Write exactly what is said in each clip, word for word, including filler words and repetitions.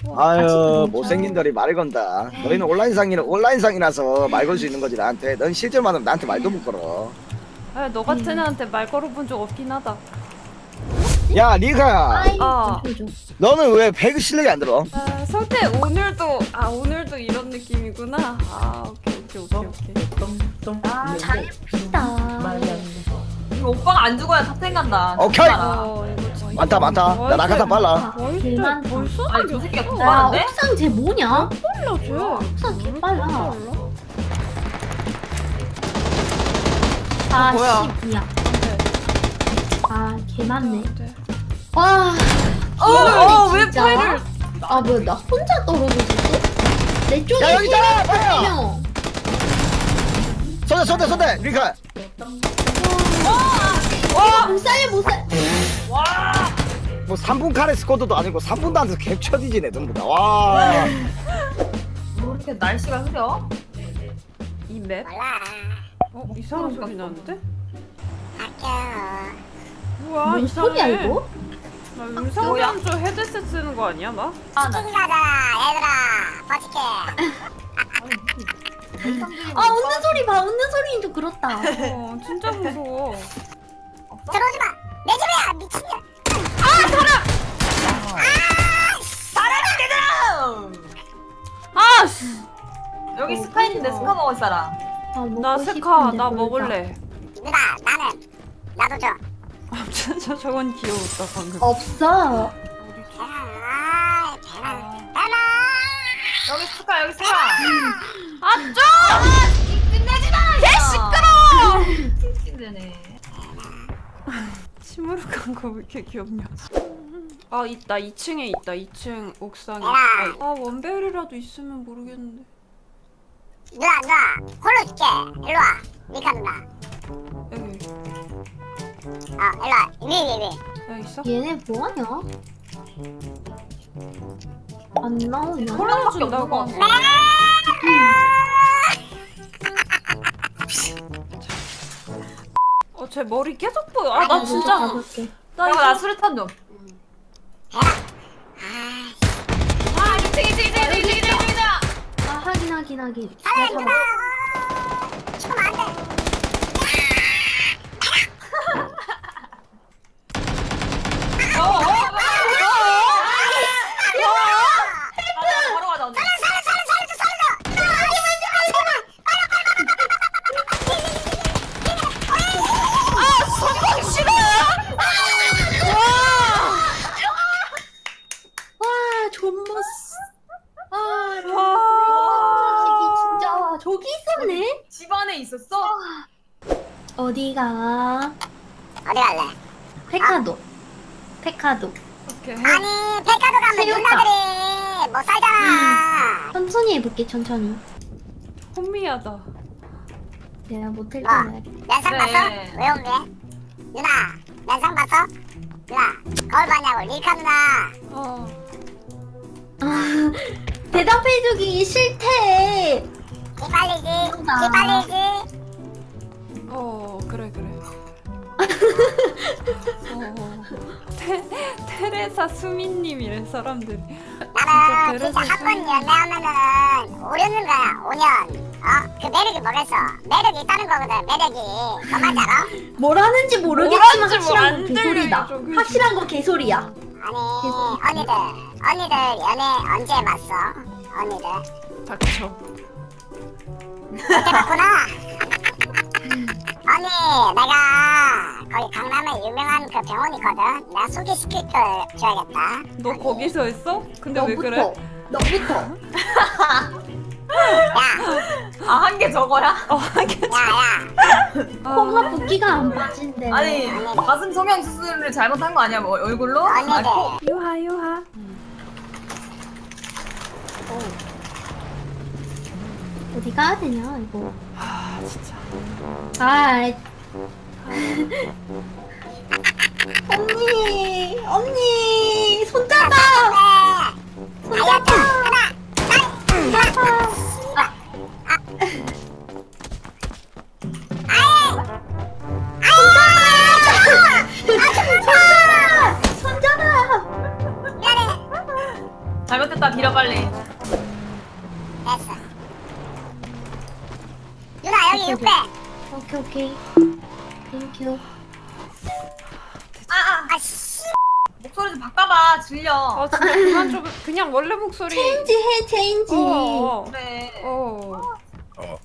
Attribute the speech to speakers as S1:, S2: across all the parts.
S1: 아유 못생긴들이 말을 건다. 너희는 온라인상이라 온라인상이라서 말 걸 수 있는 거지 나한테. 넌 실제로 만나면 나한테 말도 못 걸어.
S2: 아, 너 같은 애한테 말 걸어본 적 없긴 하다.
S1: 야 니가
S2: 아,
S1: 너는 왜 배그 실력이 안 들어?
S2: 아 설태 오늘도 아 오늘도 이런 느낌이구나. 아 오케이 오케이 오케이 오케이.
S3: 아 잘해봅시다.
S4: 이거 오빠가 안 죽어야 탑텐 간다.
S1: 오케이.
S2: 어 이거 진짜
S1: 많다 많다. 야 나가다 빨라.
S2: 벌써
S3: 개만
S2: 벌써
S4: 아니 저 새끼가 더
S3: 야
S4: 많은데?
S3: 옥상 쟤 뭐냐?
S2: 빨라 쟤.
S3: 옥상 개빨라.
S2: 빨라.
S3: 아
S4: 뭐야?
S3: 씨 뭐야? 아 개많네.
S2: 네.
S3: 와.
S4: 어어왜
S3: 진짜?
S4: 파이를?
S3: 아 뭐야 나 혼자 떨어졌어? 내 쪽에
S1: 야, 여기 있잖아,
S3: 세
S1: 파이어!
S3: 명.
S1: 손대 손대 손대 리카.
S3: 못 살려 못 살려.
S1: 뭐 삼 분 카레 스쿼드도 아니고 삼 분도 안 돼서 캡처디지네 전부 다. 와.
S4: 뭐 이렇게 날씨가 흐려?
S2: 이 맵? 어 이상한 소리 나는데? 뭐야
S3: 뭔
S2: 이상해.
S3: 소리야 이거?
S2: 나
S4: 뭐야?
S2: 음성변조 헤드셋 쓰는 거 아니야 나?
S4: 아 나.
S3: 아 웃는 소리 봐 웃는 소리는 좀 그렇다.
S2: 어 진짜 무서워.
S5: 들어오지 마! 내 집이야! 미친년!
S2: 아 씨.
S4: 여기 스카 있는데 스카 먹을 사람.
S3: 아, 먹고
S2: 나 스카
S3: 싶은데
S2: 나
S3: 모르겠다.
S2: 먹을래.
S5: 누나, 나는 나도 줘.
S2: 아 진짜 저건 귀여웠다 방금.
S3: 없어.
S5: 아, 배나, 배나!
S4: 여기 스카 여기 스카.
S2: 아 좀!
S4: 끝내지 마.
S2: 개 시끄러.
S4: 찡찡대네.
S2: 시무룩한 거 왜 이렇게 귀엽냐? 아 있다 이 층에 있다 이 층 옥상에.
S5: 야.
S2: 아 원벨이라도 있으면 모르겠는데.
S5: 누나, 누나, 홀로 줄게. 일로 와. 미카 누나.
S2: 여기
S5: 어, 일로 와. 위, 위, 위.
S2: 여기 있어?
S3: 얘네 뭐하냐? 안 나오냐?
S4: 콜라밖에
S2: 준다고
S4: 없는 거
S2: 하네. 어제 머리 계속 보여. 아 나 진짜
S3: 가볼게.
S2: 나
S4: 야,
S2: 이거
S4: 나 수류탄 좀. 아, 이층, 이층, 이층, 이층, 이층, 이층, 이층.
S3: 아 하긴 하긴 하긴.
S5: 살려,
S3: 야,
S5: 누나! 죽으면 안 돼.
S4: 어, 어, 어, 어, 어, 어. 가자, 바로 가자, 언니.
S5: 살려, 살려, 살려줘, 살려줘! 누나, 제발, 제발, 제발!
S3: 와 존버스. 아
S2: 와.
S3: 진짜 저기 있었네.
S4: 집 안에 있었어?
S3: 어디가?
S5: 어디 갈래?
S3: 페카도. 페카도.
S2: 오케이.
S5: 아니, 백화도 가면
S3: 새우깡.
S5: 누나들이 못 살잖아.
S3: 천천히 해볼게 천천히.
S2: 혼미하다.
S3: 내가 못할 줄
S5: 뭐?
S3: 알아야겠다.
S5: 면상
S4: 그래.
S5: 봤어? 왜 온대? 누나, 면상 봤어? 누나, 거울 봤냐고, 리카 누나.
S2: 어.
S3: 아, 대답해주기 싫대.
S5: 기빨리지,
S3: 누나.
S5: 기빨리지.
S2: 어 그래 그래. 어. 테, 테레사 수민님이래 사람들이.
S5: 나는
S2: 진짜
S5: 진짜 한 번
S2: 베레사
S5: 연애하면은 오려는 거야, 오 년. 어? 그 매력이 뭐겠어? 매력이 있다는 거거든, 매력이. 너 말지 알아?
S3: 뭘 하는지 모르겠지만
S2: 뭘 하는지 뭐
S3: 확실한
S2: 안
S3: 거 개소리다.
S2: 들려, 저기.
S3: 확실한 거 개소리야.
S5: 아니, 언니들, 언니들 연애 언제 해봤어? 언니들.
S2: 닥쳐.
S5: 그때 봤구나. 언니, 내가 거기 강남에 유명한 그 병원 있거든. 내가 소개시킬 걸 줘야겠다.
S2: 너 거기서 했어? 근데 왜 그래?
S3: 너부터.
S5: 야,
S4: 아, 한 개 저거야?
S2: 어 하겠지.
S5: 야, 야.
S3: 코가 붓기가 안 빠진대.
S4: 아니, 가슴 성형 수술을 잘못한 거 아니야? 뭐 얼굴로? 아,
S5: 언니들.
S4: 코.
S2: 유하 유하.
S3: 어디 가야 되냐 이거.
S2: 아 진짜.
S3: 아. 언니, 언니, 손잡아.
S5: 네. 다이어트 하나, 둘, 셋.
S3: 손잡아.
S5: 미안해.
S4: 잘못했다 길어 빨리.
S5: 됐어. 누나 여기 육배.
S3: 오케이 오케이. 땡큐.
S4: 아아
S5: 아씨.
S4: 목소리 좀 바꿔봐 질려.
S2: 아 진짜 그만 좀 그냥 원래 목소리.
S3: 체인지 해 체인지.
S2: 어.
S4: 그래.
S2: 어.
S6: 어.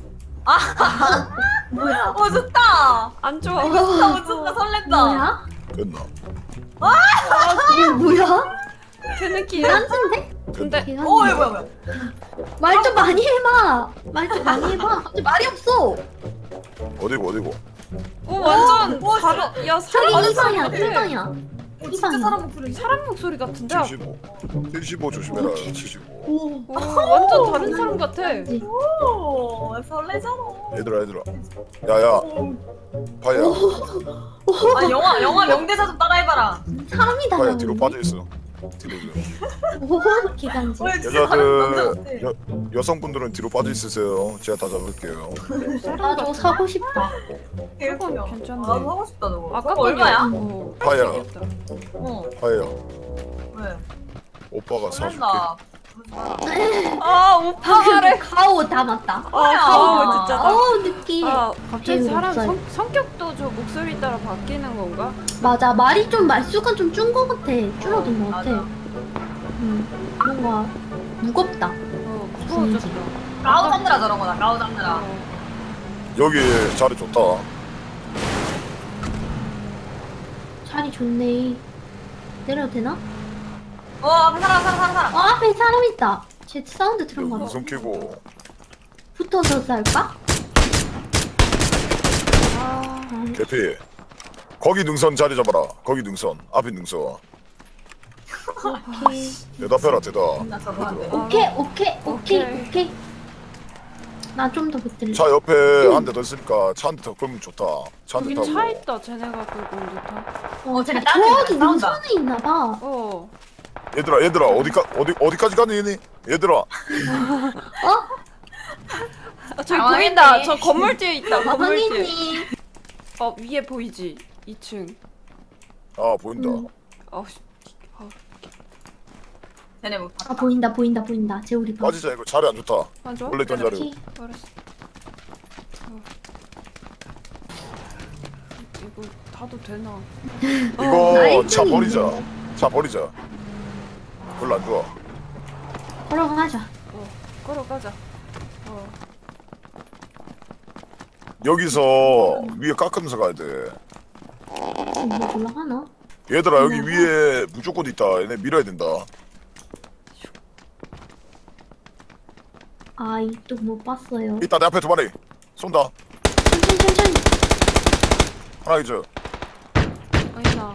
S3: 뭐야?
S4: 어 좋다.
S2: 안 좋아.
S4: 어 좋다 좋다 설렌다.
S3: 뭐야?
S6: 됐나?
S3: 이게 뭐야?
S2: 그 느낌.
S3: 딴짓인데?
S2: 근데
S3: 걔가
S4: 어 이거 뭐야 뭐야.
S3: 말 좀 많이 해봐. 말 좀 많이 해봐. 갑자기 말이 없어.
S6: 어디고 어디고?
S2: 오 완전
S4: 어,
S2: 바로 야 사람
S3: 저기 이 방이야,
S2: 같아.
S3: 이 방이야.
S4: 어, 진짜 사람 목소리.
S2: 사람 목소리 같은데.
S6: 칠십오. 칠십오 조심해라. 칠십오.
S3: 오.
S2: 오 완전 다른 사람 같아.
S4: 오 설레잖아.
S6: 얘들아 얘들아. 야야. 파야.
S4: 아 영화 영화 명대사 좀 따라해봐라.
S3: 사람이다.
S6: 파야 뒤로 빠져 있어. 뒤로 좀.
S3: 오, 기간지.
S4: 어, 진짜 사람 남자
S6: 여자들
S4: 같아.
S6: 여, 여성분들은 뒤로 빠져 있으세요. 제가 다 잡을게요.
S2: 사람
S3: 나저
S2: 같아.
S3: 사고 싶다.
S4: 개웃겨.
S2: 저건 괜찮네.
S4: 아, 나도 하고 싶다 저거.
S2: 아까
S4: 저거 얼마야?
S2: 어.
S6: 파야.
S4: 어
S6: 파야.
S4: 왜?
S6: 오빠가 사줄게.
S4: 설렌다.
S2: 아 오빠래.
S3: 가오 담았다.
S2: 아 가오 진짜.
S3: 어 느낌.
S2: 아 갑자기
S3: 게임
S2: 사람
S3: 없어요.
S2: 성, 성격도 저 목소리 따라 바뀌는 건가?
S3: 맞아 말이 좀 말수가 좀 준 거 같아. 줄어든 거 같아.
S4: 맞아.
S3: 음 뭔가 무겁다.
S2: 어 무서워졌어.
S4: 가오 잡느라 저런 거다. 가오 잡느라.
S2: 어.
S6: 여기 자리 좋다.
S3: 자리 좋네. 내려도 되나?
S4: 어 앞에 사람 사람 사람 사람.
S3: 어 앞에 사람 있다. 제 사운드
S6: 여기
S3: 들은 거 봐.
S6: 무슨 키고?
S3: 붙어서 쌀까?
S2: 아
S6: 개피. 거기 능선 자리 잡아라. 거기 능선. 앞에 능선.
S3: 오케이.
S6: 대답해라 대답.
S4: 나 저거 안 돼.
S3: 오케이 오케이 오케이
S2: 오케이.
S3: 오케이. 나 좀 더 붙들래.
S6: 차 옆에 한 대 더 있으니까 차 한 대 더 끌면 좋다. 차 한 대
S2: 여기
S6: 타고.
S2: 차 있다. 쟤네가 끌고 온 듯한.
S3: 어,
S4: 쟤네
S3: 저-
S4: 딴 데로
S3: 저기
S4: 싸운다.
S3: 능선에 있나 봐.
S2: 어.
S6: 얘들아 얘들아 어디까 어디 어디까지 가니 얘니? 얘들아.
S2: 아, 저기
S4: 당황했네.
S2: 보인다. 저 건물 뒤에 있다. 건물 뒤에.
S3: 황희님.
S2: 어 위에 보이지? 이 층.
S6: 아 보인다.
S3: 음.
S2: 어 씨. 어,
S4: 쟤네 뭐
S3: 아 보인다 보인다 보인다. 제 우리 방.
S6: 빠지자 이거 자리 안 좋다.
S2: 맞아?
S6: 원래 있던 자리.
S3: 오케이.
S2: 알았어. 어. 이거 타도 되나?
S6: 이거
S3: 나이스.
S6: 차 버리자. 차 버리자. 별로 안 좋아.
S3: 걸어가자.
S2: 어. 걸어가자. 어.
S6: 여기서 위에 깎으면서 가야 돼.
S3: 뭐 올라가나?
S6: 얘들아 여기 위에 무조건 있다. 얘네 밀어야 된다.
S3: 아 이쪽 못 봤어요.
S6: 있다 내 앞에 두 마리. 쏜다.
S3: 천천히 천천히.
S6: 하나 이제
S2: 아니나.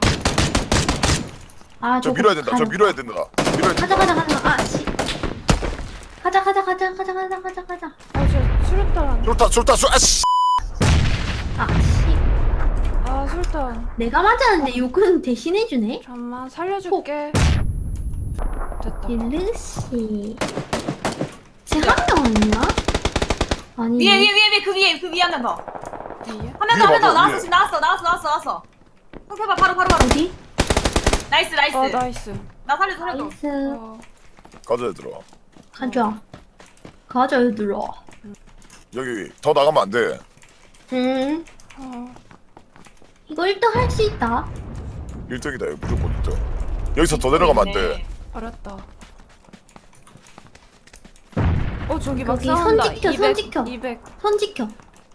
S3: 아
S6: 저
S3: 저거
S6: 밀어야 된다. 저
S3: 가는-
S6: 밀어야 된다. 밀어야
S3: 가자
S6: 된다.
S3: 가자 가자. 아 씨. 가자 가자 가자 가자 가자 가자 가자.
S2: 아저 수류탄.
S6: 좋다 좋다 좋다. 아씨.
S3: 아 씨.
S2: 아 수류탄.
S3: 내가 맞았는데 욕은 대신해주네.
S2: 잠만 살려줄게. 됐다.
S3: 일르씨. 쟤한명 아닌가? 아니.
S4: 위에 위에 위에 위에 그 위에 그 위에 한 명 더.
S2: 위에?
S4: 한 명 더 한 명 더
S6: 위에
S4: 나왔어
S6: 위에.
S4: 지금 나왔어 나왔어 나왔어 나왔어. 형 해봐 바로 바로 바로.
S3: 어디?
S4: 나이스 나이스.
S2: 어 나이스.
S4: 나 살려줘 살려줘.
S3: 나이스.
S2: 어.
S6: 가자 얘들아.
S3: 가자. 가자 얘들아.
S6: 여기 더 나가면 안 돼.
S3: 응.
S2: 어.
S3: 이거 일 등 할 수 있다.
S6: 일 등이다 여기 무조건 일 등. 여기서 더 내려가면 안 돼.
S2: 알았다. 어 저기 막
S3: 거기
S2: 싸운다.
S3: 선 지켜, 선 지켜.
S2: 이백.
S3: 손 지켜.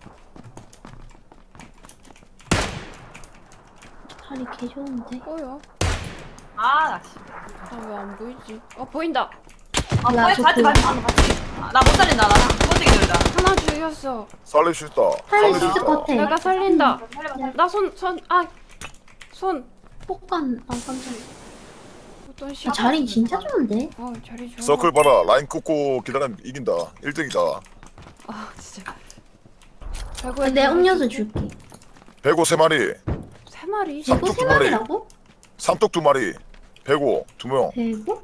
S3: 자리 개 좋은데.
S2: 뭐야?
S4: 아나 씨.
S2: 아 왜 안 보이지? 어 보인다.
S4: 아
S3: 야,
S4: 빨리
S3: 저
S4: 봤지
S3: 그-
S4: 봤지 봤지 봤지. 아, 나 못 살린다 나두 번째 기절이다.
S2: 하나 죽였어.
S6: 살릴 수 있다.
S3: 살릴
S6: 살릴
S3: 수 있을 것 같아.
S2: 내가 살린다.
S4: 살려봐 살려봐.
S2: 나 손 손 아 손.
S3: 폭간. 아 깜짝이야.
S2: 어떤 시?
S3: 아, 자리 진짜 좋은데.
S2: 어 자리 좋아.
S6: 서클 봐라. 라인 끄고 기다리면 이긴다. 일 등이다.
S2: 아 진짜.
S3: 아,
S2: 배구에
S3: 내 음료수 줄게.
S6: 배고 세 마리.
S2: 세 마리.
S6: 삼-
S3: 이거
S6: 삼뚝
S3: 세
S6: 두 마리.
S3: 마리라고?
S6: 삼뚝 두 마리. 배고 두 명.
S3: 배고?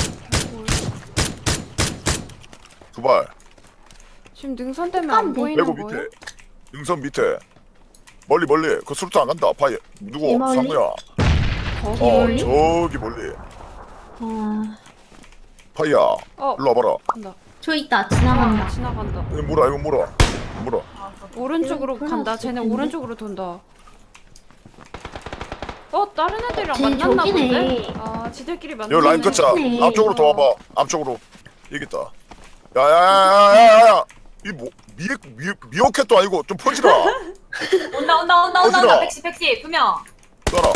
S6: 두 발.
S2: 지금 능선 때문에 안
S3: 깜대.
S2: 보이는
S6: 배고
S2: 거예요?
S6: 밑에. 능선 밑에. 멀리 멀리. 그 수류탄 안 간다. 아파. 누구?
S3: 이 멀리?
S6: 상무야.
S2: 거기
S6: 어
S3: 멀리?
S6: 저기 멀리.
S3: 아
S6: 파이야
S2: 어
S6: 일로 와봐라.
S2: 간다.
S3: 저 있다
S2: 아,
S3: 지나간다.
S2: 지나간다.
S6: 이거 물어 이거 물어 물어.
S2: 오른쪽으로
S3: 쟤는
S2: 간다.
S3: 불났을
S2: 쟤네
S3: 텐데.
S2: 오른쪽으로 돈다. 어 다른 애들이랑
S3: 쟤
S2: 만났나
S3: 저기네.
S2: 본데? 아 지들끼리 만났네.
S6: 여기 라인 끝자.
S3: 네.
S6: 앞쪽으로 더 와봐. 앞쪽으로. 여기 있다. 야야야야야야. 이뭐 미에 미 미어캣도 아니고 좀 퍼지라.
S4: 온다 온다 온다 온다
S6: 어디라?
S4: 온다 백시 백시 두 명.
S6: 따라.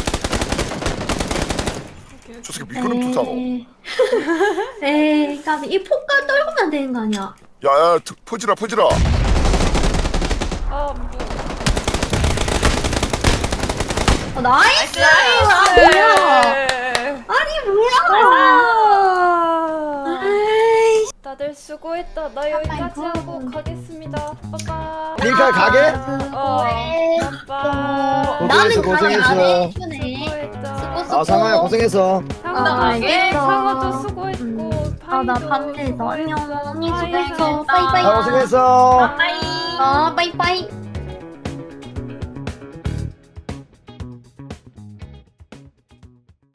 S2: 오케이,
S6: 저 새끼
S2: 오케이.
S6: 미끄럼 좋잖아.
S3: 에이. 에이 까비 이 폭발 떨구면 되는 거 아니야?
S6: 야야 퍼지라 퍼지라.
S2: 아 뭐.
S3: 어, 나이스!
S2: 나이스.
S3: 아 뭐야? 아니 뭐야?
S2: 아.
S3: 에이.
S2: 다들 수고했다. 나 여기까지 하고 가겠습니다. 빠빠.
S1: 밀카 가게?
S2: 어. 빠빠.
S3: 나는
S1: 고생했어,
S3: 가게 안
S1: 고생했어.
S3: 해주네.
S2: 수고했다.
S3: 수고.
S1: 아 상아야 고생했어.
S2: 상어
S3: 아,
S2: 가게.
S3: 알겠어.
S2: 상어도 수고했고.
S3: 아 나
S2: 파이도
S3: 밤새서 안녕.
S2: 수고했고.
S3: 언니
S2: 파이
S3: 수고했어.
S2: 수고했다.
S3: 빠이빠이.
S1: 아 고생했어.
S4: 빠이.
S3: 아 빠이빠이.